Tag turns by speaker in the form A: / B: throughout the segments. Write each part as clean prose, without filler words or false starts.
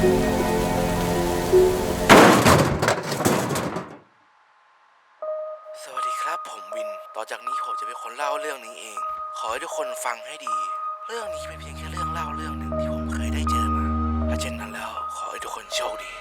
A: สวัสดีครับผมวิน ต่อจากนี้ผมจะเป็นคนเล่าเรื่องนี้เอง ขอให้ทุกคนฟังให้ดี เรื่องนี้เป็นเพียงแค่เรื่องเล่าเรื่องหนึ่งที่ผมเคยได้เจอมา ถ้าเช่นนั้นแล้วขอให้ทุกคนโชคดี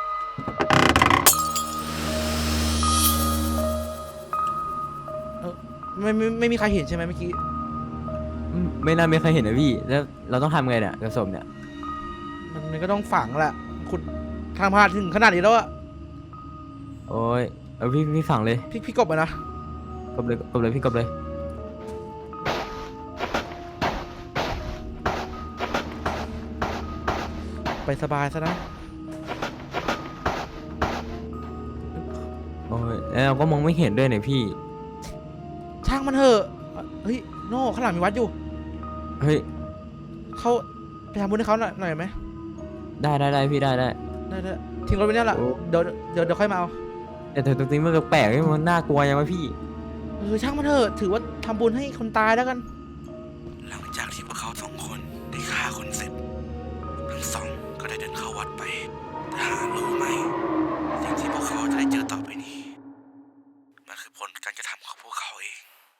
A: ไม่มีใครเห็นใช่ไหมเมื่อกี้
B: ไม่น่ามีใครเห็นนะพี่แล้วเราต้องทำไงเนี่ยกระสมเนี่ย
A: มันก็ต้องฝังแหละคุณทำพลาดถึงขนาดนี้แล้วอะ
B: โอ้ยเอาพี่ฝังเลย
A: พี่กบไปนะ
B: กบเลยพี่กบเลย
A: ไปสบายซะนะ
B: โอ้ยแล้วเราก็มองไม่เห็นด้วยเนี่ยพี่
A: ช่างมันเถอะเฮ้ยโน่ข้างหลังมีวัดอยู่
B: เฮ้ย
A: เขาไปทำบุญให้เขาหน่อยไหม
B: ได้พี่ได้
A: ทิ้งรถไว้เนี่ยแหละเดี๋ยวค่อยมาเอา
B: แต่ตรงนี้มันแปลกๆมันน่ากลัวยังวะพี่
A: ช่างมันเถอะถือว่าทำบุญให้คนตายแล้วกันหลังจากที่พวกเขาสองคนได้ฆ่าคนเสร็จทั้งสองก็ได้เดินเข้าวัดไปแต่หารู้ไหมสิ่งที่พวกเขาจะได้เจอต่อไปนี้มันคือผลการกระทำของพวกเขาเอง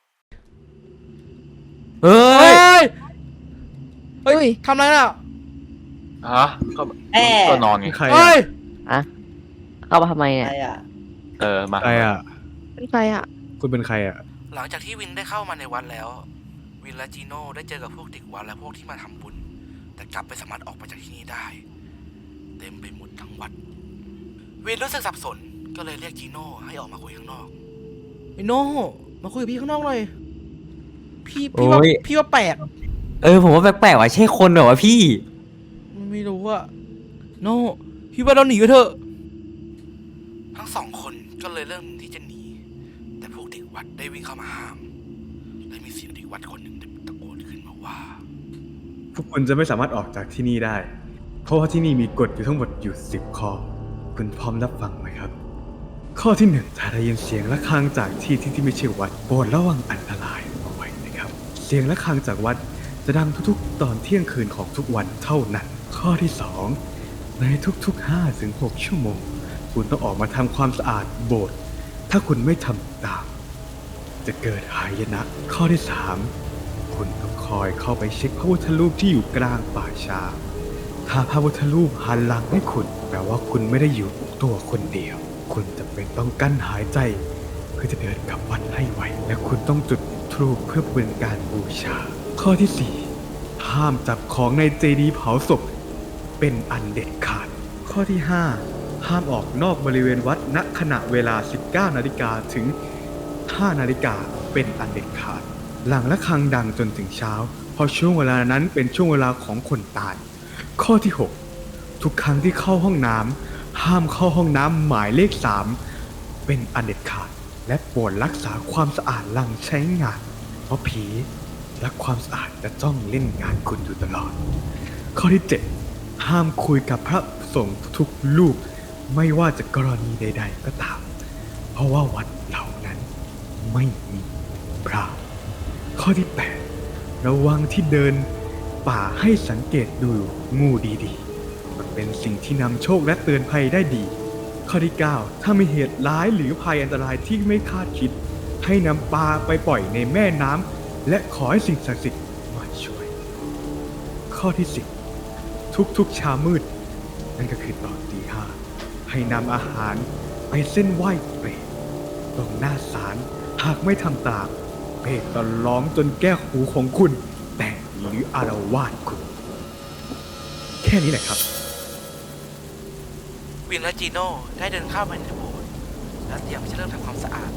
B: เฮ้ย
A: ทำอะไรน่ะ
C: ฮะก็นอนไง
D: ใคร
E: อะเข้ามาทำไมเนี่ย
C: มา
D: ใครอ่ะ
E: เป็นใครอ่ะ
D: คุณเป็นใครอ่ะ
A: หลังจากที่วินได้เข้ามาในวัดแล้ววินและจีโน่ได้เจอกับพวกเด็กวัดและพวกที่มาทำบุญแต่กลับไม่สามารถออกไปจากที่นี่ได้เต็มไปหมดทั้งวัดวินรู้สึกสับสนก็เลยเรียกจีโน่ให้ออกมาคุยข้างนอกไอ้โน่มาคุยกับพี่ข้างนอกหน่อยพี่ว่าแปลก
B: ผมว่าแปลกๆว่ะใช่คนเหรอวะพี่
A: ไม่รู้อะโน่พี่ว่าเราหนีกันเถอะทั้งสองคนก็เลยเริ่มที่จะหนีแต่พวกเด็กวัดได้วิ่งเข้ามาห้ามและมีเสียงเด็กวัดคนหนึ่งตะโกนขึ้นมาว่า
D: พวกคุณจะไม่สามารถออกจากที่นี่ได้เพราะว่าที่นี่มีกฎอยู่ทั้งหมดอยู่10 ข้อคุณพร้อมรับฟังไหมครับข้อที่1ถ้าได้ยินเสียงะระฆังจากที่ไม่ใช่วัดโปรดระวังอันตรายเอาไว้นะครับเสียงะระฆังจากวัดจะดังทุกๆตอนเที่ยงคืนของทุกวันเท่านั้นข้อที่2ในทุกๆ5-6 ชั่วโมงคุณต้องออกมาทำความสะอาดโบสถ์ถ้าคุณไม่ทำตามจะเกิดหายนะข้อที่3คุณต้องคอยเข้าไปเช็คพระพุทธรูปที่อยู่กลางป่าช้าถ้าพระพุทธรูปหันหลังให้คุณแปลว่าคุณไม่ได้อยู่ตัวคนเดียวคุณจะเป็นต้องกั้นหายใจเพื่อจะเดินกลับวัดให้ไวและคุณต้องจุดธูปเพื่อเป็นการบูชาข้อที่4ห้ามจับของในเจดีย์เผาศพเป็นอันเด็ดขาดข้อที่5ห้ามออกนอกบริเวณวัดณขณะเวลา 19 นาฬิกาถึง 5 นาฬิกาเป็นอันเด็ดขาดหลังระฆังดังจนถึงเช้าเพราะช่วงเวลานั้นเป็นช่วงเวลาของคนตายข้อที่6ทุกครั้งที่เข้าห้องน้ำห้ามเข้าห้องน้ำหมายเลข3เป็นอันเด็ดขาดและโปรดรักษาความสะอาดหลังใช้งานเพราะผีและความสะอาดจะจ้องเล่นงานคุณอยู่ตลอดข้อที่7ห้ามคุยกับพระสงฆ์ทุกรูปไม่ว่าจะกรณีใดๆก็ตามเพราะว่าวัดเหล่านั้นไม่มีพระข้อที่8ระวังที่เดินป่าให้สังเกตดูงูดีๆมันเป็นสิ่งที่นำโชคและเตือนภัยได้ดีข้อที่9ถ้ามีเหตุร้ายหรือภัยอันตรายที่ไม่คาดคิดให้นำปลาไปปล่อยในแม่น้ำและขอให้สิ่งศักดิ์สิทธิ์มาช่วยข้อที่10ทุกๆเช้ามืดนั่นก็คือตอนตี 5ให้นำอาหารไปเส้นไหว้เปรตตรงหน้าศาลหากไม่ทำตามเปรตจะร้องจนแก้หูของคุณแตกหรืออาละวาดคุณแค่นี้แหละครับ
A: วินและจีโน่ได้เดินเข้าไปในโบสถ์และเตรียมที่จะเริ่มทำความสะอาด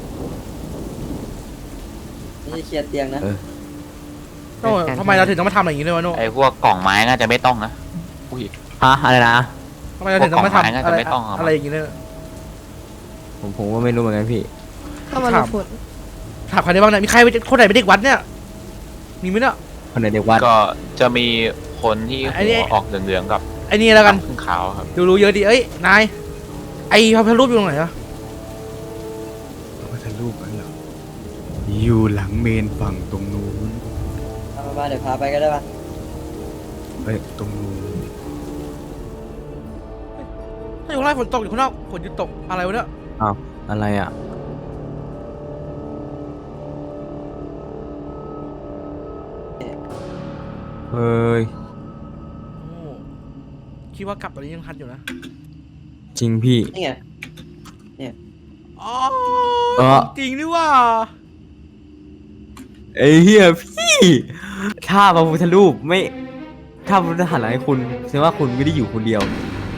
E: นี่เคลียร์เตียงนะ
A: โน่ทำไมเราถึงต้องมาทำอะไรอย่างนี้เลยวะโน่
C: ไอ้พวกกล่องไม้น่าจะไม่ต้องนะอุ้ย
B: อะไรนะ
A: ทำไมเราถึงต้องมาทำอะไรอย่างนี้เลย
B: ผมก็ไม่รู้เหมือนกันพี่
E: เข้ามาพูด
A: ถามใครได้บ้างเนี่ยมีใครคนไหนเป็นเด็กวัดเนี่ยมีไหมเนี่ย
B: คนไหนเด็กวัด
C: ก็จะมีคนที่หัวออกเหลืองๆกับ
A: ไอ้นี่แล้วกัน
C: ขาวครับ
A: ดูรู้เยอะดีเอ้ยนายไอ้พระรูปอยู่ตรงไหนอะ
D: พระพุทธรูปนั่นเหรออยู่หลังเมนฝั่งตรงนู้น
E: มาเดี๋ยวพาไปก็ได้ป่ะ
D: ไปตรงนู้น
A: อยู่ข้างในฝนตกอยู่ข้างนอกฝนหยุดตกอะไรวะเนี่ย
B: อ้าวอะไรอ่ะเฮ้ย
A: โอ้คิดว่ากลับตอนนี้ยังทันอยู่นะ
B: จริงพี่
E: นี่ไง
A: อ๋อ
B: เออ
A: จริงนี่ว่า
B: ไอ้เหี้ยพี่ถ้าพระพุทธรูปไม่ถ้าพระพุทธหันหลังให้คุณแสดงว่าคุณไม่ได้อยู่คนเดียว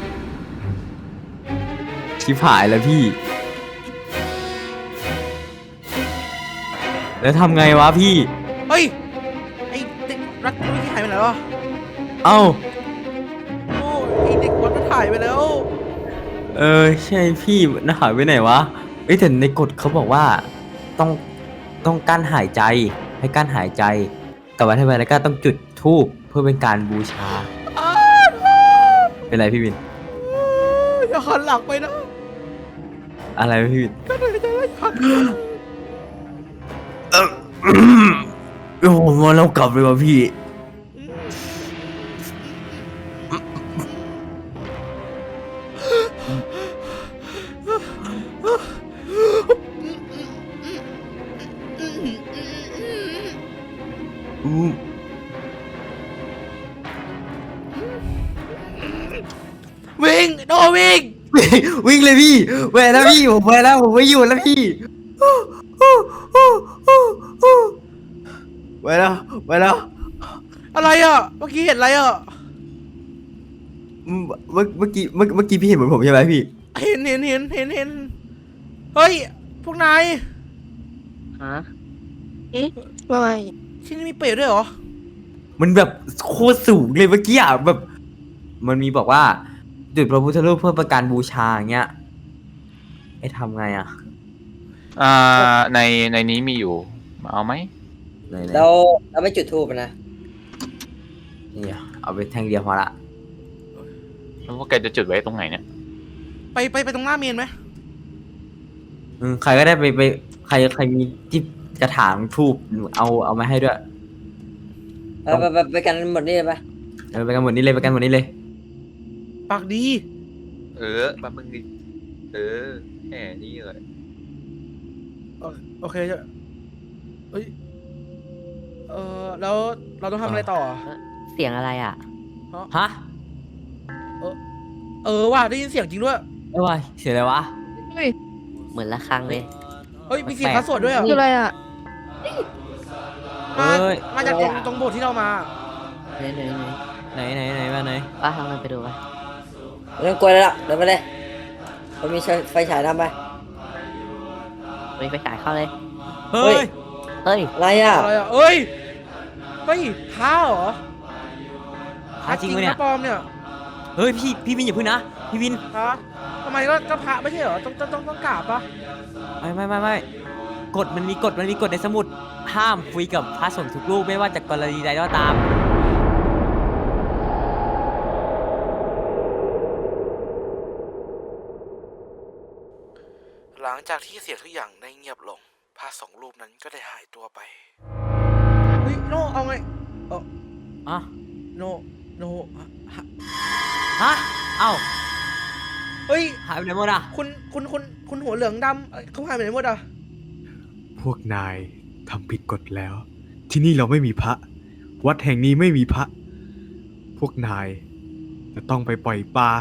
B: ชิบหายแล้วพี่ แล้วทำไงวะพี่
A: เฮ้ยไอเด็กรักเมื่อกี้หายไปไหนวะ
B: เอ้า
A: โอ้ไอเด็กวัดมันหายไปแล้ว
B: ใช่พี่น่าหายไปไหนวะเอ้ยแต่ในกฎเขาบอกว่าต้องต้องกั้นหายใจให้กั้นหายใจแต่ว่าทำไมแล้วก็ต้องจุดธูปเพื่อเป็นการบูชา เป็นไรพี่วิน
A: อย่าหันหลังไปนะ
B: อะไรพี่วิน
A: ก็เลยจะไล่หัน
B: โอ้โหมาเรากลับเลยว่ะพี่
A: วิ่งโดวิ่ง
B: วิ่งเลยพี่แหวนแล้วพี่ผมไปแล้วผมไม่อยู่แล้วพี่ไปแล้วไปแล้ว
A: อะไรอ่ะเมื่อกี้เห็นอะไรอ่ะ
B: เมื่อกี้พี่เห็นเหมือนผมใช่ไหมพี่
A: เห็นเฮ้ยพวกนาย
E: ฮะว่าไง
A: ที่นี่มีเปรตด้วยเหรอ
B: มันแบบโคตรสูงเลยเมื่อกี้อ่ะแบบ มันมีบอกว่าจุดพระพุทธรูปเพื่อประการบูชาอย่างเงี้ยไอ้ทำไงอ่ะ
C: ในนี้มีอยู่มาเอาไหม
B: ไหน
E: เราไม่จุดทูบนะ
B: นี่อ่ะเอาไปแท่งเดียวพอละ
C: แล้วว่าแกจะจุดไว้ตรงไหนเนี่ย
A: ไปตรงหน้าเมนไหม
B: ใครก็ได้ไปใครมีที่กระถางทูบเอามาให้ด้วย
E: ไปกันหมดนี่เลยปะ
B: ไปกันหมดนี้เลยไปกันหมดนี้เลย
A: ปากดี
C: แป๊บนึงดิแหมนี่เลย
A: โอเคจะเอ้ยแล้วเราต้องทำอะไรต่อ
E: เสียงอะไรอ่ะ
B: ฮะ
A: ว่าได้ยินเสียงจริงด้วย
B: ไม่ไหวเสียอะไรวะ
E: เหมือนละครังเลย
A: เฮ้ยมีเสียงพระสวดด้วยอ่ะ
E: คืออะไรอ่ะ
A: มาจากตรงโบสถ์ที่เรามา
E: ไหน
B: มาไหน
E: ป้าทำมันไปดูไปไม่ต้องกลัวแล้วล่ะเดินไปเลยผมมีไฟฉายทำไปมีไฟฉายเข้าเลย
B: เฮ้ย
E: อะไรอ่ะ
A: อะไรอ่ะเฮ้ยท้าเหรอ
B: พระจริงปะเนี่ย
A: ท้าปลอมเนี่ย
B: เฮ้ยพี่วินอย่าพึ่งนะพี่วิน
A: ท้าทำไมก็พระไม่ใช่เหรอต้องกราบปะ
B: ไม่กฎมันมีกฎในสมุดห้ามคุยกับพระสงฆ์ทุกรูปไม่ว่าจะกรณีใดก็ตาม
A: หลังจากที่เสียงทุกอย่างได้เงียบลงพระสองรูปนั้นก็ได้หายตัวไปเฮ้ยโนเอาไง
B: อ่ะ
A: โน
B: ฮะเอ้า
A: เฮ้ย
B: หายไปไหนหมดอ่ะ
A: คุณหัวเหลืองดำเขาหายไปไหนหมดอ่ะ
D: พวกนายทำผิดกฎแล้ว ที่นี่เราไม่มีพระ วัดแห่งนี้ไม่มีพระ พวกนายจะต้องไปปล่อยปลา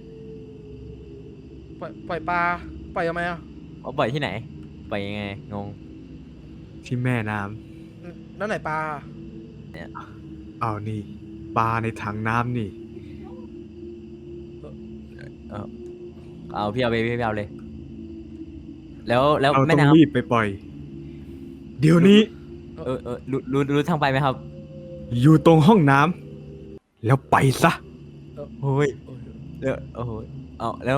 A: ปล่อยปลาปล่อยทำไมอ่ะ
B: เอาปล่อยที่ไหนปล่อยยังไงงง
D: ที่แม่น้
A: แล้วไหนปลา
D: ำเอานี่ปลาในถังน้ำนี่
B: เอาพี่เอาไปพี่เอาเลย แล้ว
D: เรา
B: แม่
D: ต้อง
B: น้ำ
D: รีบไปปล่อย เดี๋ยวนี้
B: รู้ทางไปไหมครับ
D: อยู่ตรงห้องน้ำแล้วไปซะ
B: โอ้ยแล้วโอ้โหเอาแล้ว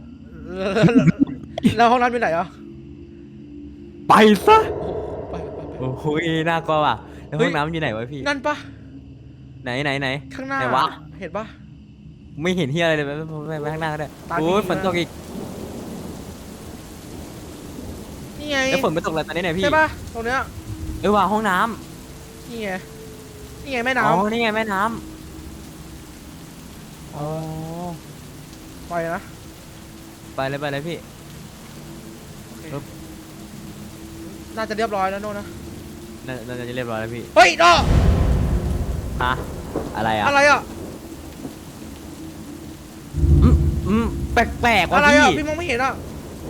A: แล้วห้องน้ำอยู่ไหนอ่ะ
D: ไปซะ
A: ไป
B: โอ้โหน่ากลัวว่ะแล้วห้องน้ำอยู่ไหนวะพี่
A: นั่นปะ
B: ไหน
A: ข้างหน้า
B: ไหนวะ
A: เห็นปะ
B: ไม่เห็นที่อะไรเลยไปข้างหน้าก็ได้
A: ตาดี
B: โอ้ย
A: มาก
B: ฝนตกอีก
A: นี่ไง
B: แล้วฝนไม่ตกแล้วตอนนี้ไหนพี่
A: ใช่ปะตรงเนี้ย
B: ว่าห้องน้
A: นี่ไงแม่
B: ำ
A: น้
B: อ๋อนี่ไงแม่น้ำอ๋อ
A: ำปล่อยนะ
B: เลยพี่
A: น่าจะเรียบร้อยแล้วโน่นนะ
B: น่าจะเรียบร้อยแล้วพี่
A: เฮ้ยโน่
B: ฮะอะไรอ่ะ
A: อะไรอ่ะ
B: แปลกๆว่ะ
A: อะไร
B: พี่
A: อ่ะพี่มองไม่เห็นอ่ะ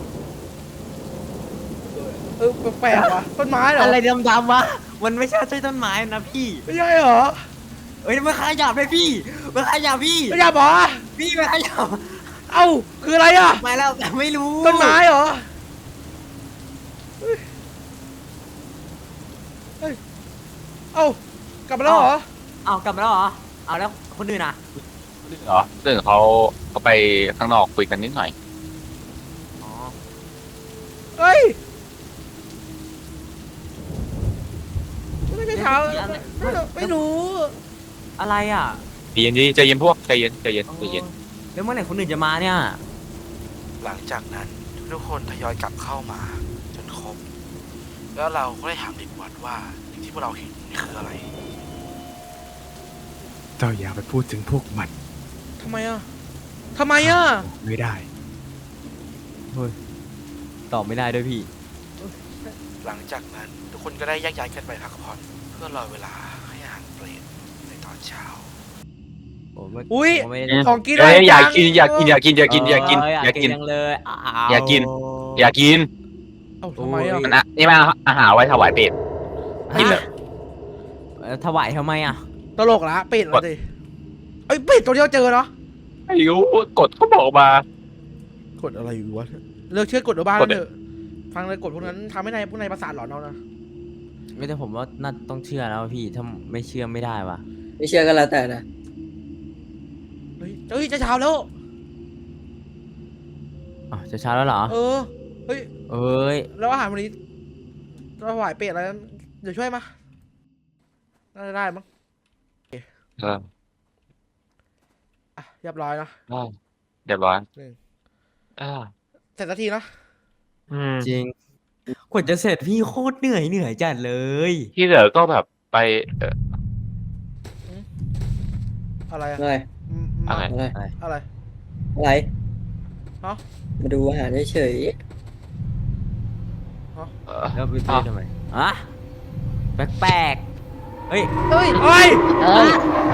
A: แปลกๆว่ะต้นไม้เหรอ
B: อะไรดำๆวะมันไม่ใช่ต้นไม้นะพี่
A: ไม่ใช่เหรอ
B: เอ้ยมันขยับเลยพี่มันขยับพี่
A: ไม่ใช่เหรอ
B: พี่มันขยับ
A: เอ้าคืออะไรอ่ะ
B: มาแล้วแต่ไม่รู้
A: ต้นไม้เหรอเฮ้ยเอ้ากลับมาแล้วเหรอ
B: เอากลับมาแล้วเหรอเอาแล้วคนอื่นอ่ะ
C: เหรอเรื่องเขาไปข้างนอกคุยกันนิดหน่อย
B: อ๋อ
A: เฮ้ยไม่ได้เช้าไม่รู้
B: อะไรอ่ะ
C: ใจเย็นดีใจเย็นพวกใจเย็นใจเย็นใจเย็น
B: แล้วเมื่อไหร่คนอื่นจะมาเนี่ย
A: หลังจากนั้นทุกคนทยอยกลับเข้ามาจนครบ แล้วเราก็ได้ถามเด็กวัดว่าสิ่งที่พวกเราเห็นนี่คืออะไร
D: เจ้าอย่าไปพูดถึงพวกมัน
A: ทำไมอ่ะทำไมอ่ะ
D: ไม่ได้
B: ตอบไม่ได้ด้วยพี่
A: หลังจากนั้นทุกคนก็ได้แยกย้ายกันไปพักผ่อนเพื่อรอเวลาให้อาหารเปรตในตอนเช้า อุ๊ย
B: ผมไม่ได้
A: ของกิน
C: เอ้ย
A: อะไร
C: อยาก
A: จัง
C: กินอยากกินอยากกินอยากกินอยากกิน
B: เ
C: อยากกิน
B: จังเลยอ้าว
C: อยากกิน อยากกิน
A: เอ้าทำไมอ่ะ
C: มันอะนี่มันอาหารไว้ถวายเป็ดกินเลย
B: ถวายทำไมอ่ะ
A: ตลกละเป็ดละดิเอ้ยเป็ดตัวเดียวเจอเนาะ
C: ไม่รู้กดเขาบอกมาก
A: ดอะไรอยู่วะเลิกเชื่อกดเอาบ้าน
C: กด
A: เถอะฟังเลยกดพวกนั้นทำให้พวกนายประสาทหลอนเอานะ
B: ไม่แต่ผมว่าน่าต้องเชื่อแล้วพี่ถ้าไม่เชื่อไม่ได้ว่ะ
E: ไม่เชื่อก็แล้วแต่นะ
A: เฮ้ยจะเช้าแล้ว
B: อ๋อจะเช้าแล้วเหรอ
A: เออเฮ้ย
B: เอ้ย
A: แล้วอาหารวันนี้ถวายเป็ดอะไรนั้นเดี๋ยวช่วยมาน่าจะได้มั้ง
C: เออ
A: อ่ะเรียบร้อยนะ
C: ได้เรียบร้อย
A: หนึ่ง
C: อ่า
A: เสร็จสักทีนะ
B: จริงกว่าจะเสร็จพี่โคตรเหนื่อยจัดเลย
C: ที่เหลือก็แบบไป
A: อะไรอะ
E: อะไร
C: อะไร
E: อะไร
A: อะไร
E: อะไร
A: ฮะ
E: มาดูอาหารเฉย
B: แล้วไปซื้อทำไมอ่ะแปลกๆเฮ้ย
A: เฮ้ยเฮ้ย
E: ๆเอ้ย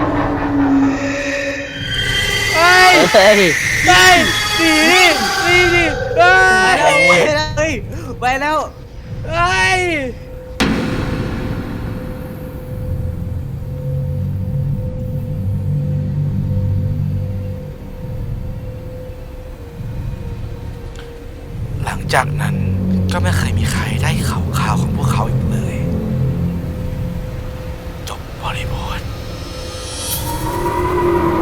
A: เฮ้ย
E: เฮ้ย
A: เฮ้ยหนีดิเฮ้ย
B: ไปแล้ว
A: เฮ้ยหลังจากนั้นก็ไม่เคยมีใครได้ข่าวของพวกเขาอีกเลย จบบริบท